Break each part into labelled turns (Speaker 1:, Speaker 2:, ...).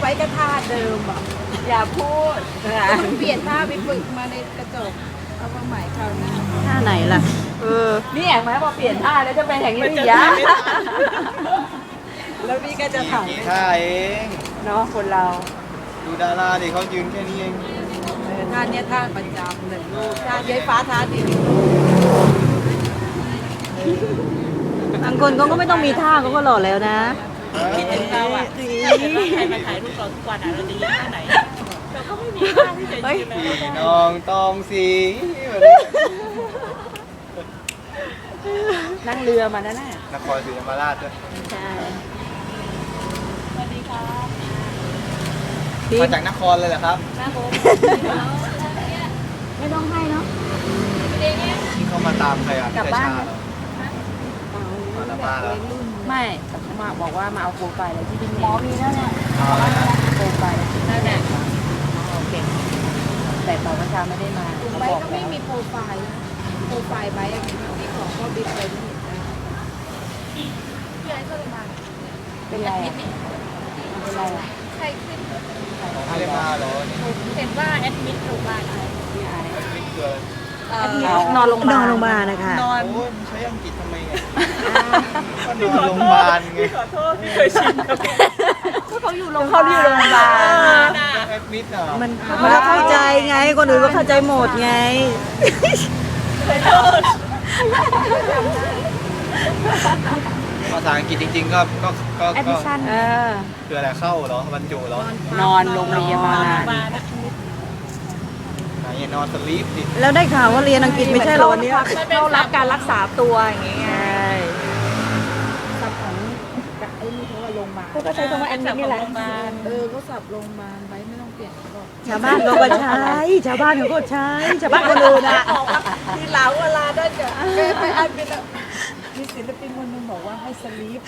Speaker 1: ไว้กระท่าเดิมอ่ะ
Speaker 2: อย่าพูด
Speaker 1: เปลี่ยนท่าไปฝึกมาในกระจกเอามาใหม่คราวหน้า
Speaker 3: ท่าไหนล่ะ
Speaker 2: นี่เห็นไหมพอเปลี่ยนท่าแล้วจะเป็นอย่างนี้อีกยะ
Speaker 1: แล้วนี่ก็จะถ่าย
Speaker 4: กี่ท่าเอง
Speaker 2: เนาะคนเรา
Speaker 4: ดูดาราดิเขายืนแค่นี้เอง
Speaker 1: ท่าเนี้ยท่าประจำหนึ่งลูกท่าเย้ยฟ้าท่าดี
Speaker 3: บางคนเขาก็ไม่ต้องมีท่าเขาก็หล่อแล้วนะ
Speaker 2: คิดถึงเราอ่ะใครมาถ่ายรูปเราทุกวันอ่ะเราจะยืนท่าไหนเราก็ไม่มีท่าที่จะยืนเลย
Speaker 4: พี่น้องตองสี
Speaker 2: นั่งเรือมานั่นน่ะ
Speaker 4: นครศรีธรรมราชด้วย
Speaker 3: ใช่
Speaker 2: สวัสดีครับ
Speaker 4: มาจากนครเลยเหรอครับ
Speaker 2: ครับผม
Speaker 3: ไม่ต้องให้เนาะ
Speaker 4: ที่เขามาตามใครอ่ะพี่ชาเหรอมาแล้วมาแล้ว
Speaker 2: ไม่มาบอกว่ามาเอาโปรไฟล์อะไรที่พี่
Speaker 3: หมอมีแล้วเนี่ย
Speaker 4: เอาอะไรนะ
Speaker 2: โปรไฟล์นั่นแหละโอเคแต่ตอนเช้าไม่ได้มาเขา
Speaker 1: ไบ
Speaker 2: บอก
Speaker 1: ก็
Speaker 2: แล้
Speaker 1: ไม่
Speaker 2: ว
Speaker 1: มีโปรไฟล์นะโปรไฟล์ไบอะมีของพ่อบิ๊กไปไม่เห็นได้พี่ไอ้ก็เลยมา
Speaker 2: เป็นไรอ่ะเป็นไรอ่ะ
Speaker 1: ใครขึ้น
Speaker 4: ไม่ได้มาเหรอนี่
Speaker 1: เห็นว่าแอดมิดโรงพยาบาลอะไร
Speaker 2: พี่ไอ้
Speaker 4: ไม่เกิน
Speaker 2: นอนโรงพยาบาล
Speaker 3: นอนโรงพยาบาลนะคะ
Speaker 1: นอน
Speaker 4: โอ้ยใช้อังกฤษทำไมไงก็นอนโรงพยาบาลไง
Speaker 2: ขอโทษที่เคยชินกับ
Speaker 3: เขาอยู่โรงพยา
Speaker 2: เขา
Speaker 3: บา
Speaker 2: อยู่โรงพยาบาล
Speaker 4: แอดมิดอ่ะ
Speaker 3: มันก็เข้าใจไง คนอื่นก็เข้าใจหมดไง
Speaker 4: ภาษาอังกฤษจริงๆก็
Speaker 3: แอดมิชชั่น
Speaker 4: คืออะไรเข้าเหรอบรรจุเหรอน
Speaker 2: อนโรงพยาบาล
Speaker 4: ไหนนอนสลีปดิ
Speaker 3: แล้วได้ข่าวว่าเรียนอังกฤษไม่ใช่เหรอวันเนี้ย
Speaker 1: เข้ารับการรักษาตัวอย่างเงี้ย
Speaker 3: ใช่
Speaker 1: สับของไอ้นี่เขาว่าโรงพยาบาล
Speaker 3: เขาก็ใช้คำว่าแอดมิดนี่แหละ
Speaker 1: เขาสับโรงพยาบาลไบไม่ต้องเปลี่ยนหรอก
Speaker 3: ชาวบ้านเขาก็ใช้ ชาวบ้านเขาก็ใช้ ชาวบ้านคนอื่นอ่ะ
Speaker 1: ทีหลังเวลาได้จะไปอันเป็นมีศิลปินคนหนึงบอกว่าให้สลีป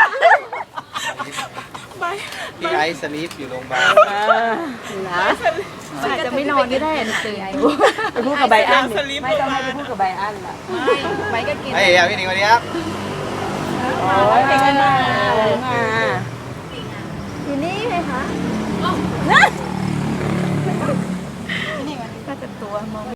Speaker 4: พี่ไอซ์สลีปอยู่โรงพยาบาล
Speaker 3: นะอาจจะไม่นอนก็ได้ตื่น
Speaker 2: ไปพูดกับไบอันไม่ต้องให้ไปพูดกับไบอันล่ะ
Speaker 1: ไบก็กิน
Speaker 4: เฮ้ยพี่หนิงวันนี้ครับ
Speaker 2: โอ้ยเก่งมากเลยมา
Speaker 3: อยู่นี่ไงคะ
Speaker 1: นี่มันก็จะตัวมอง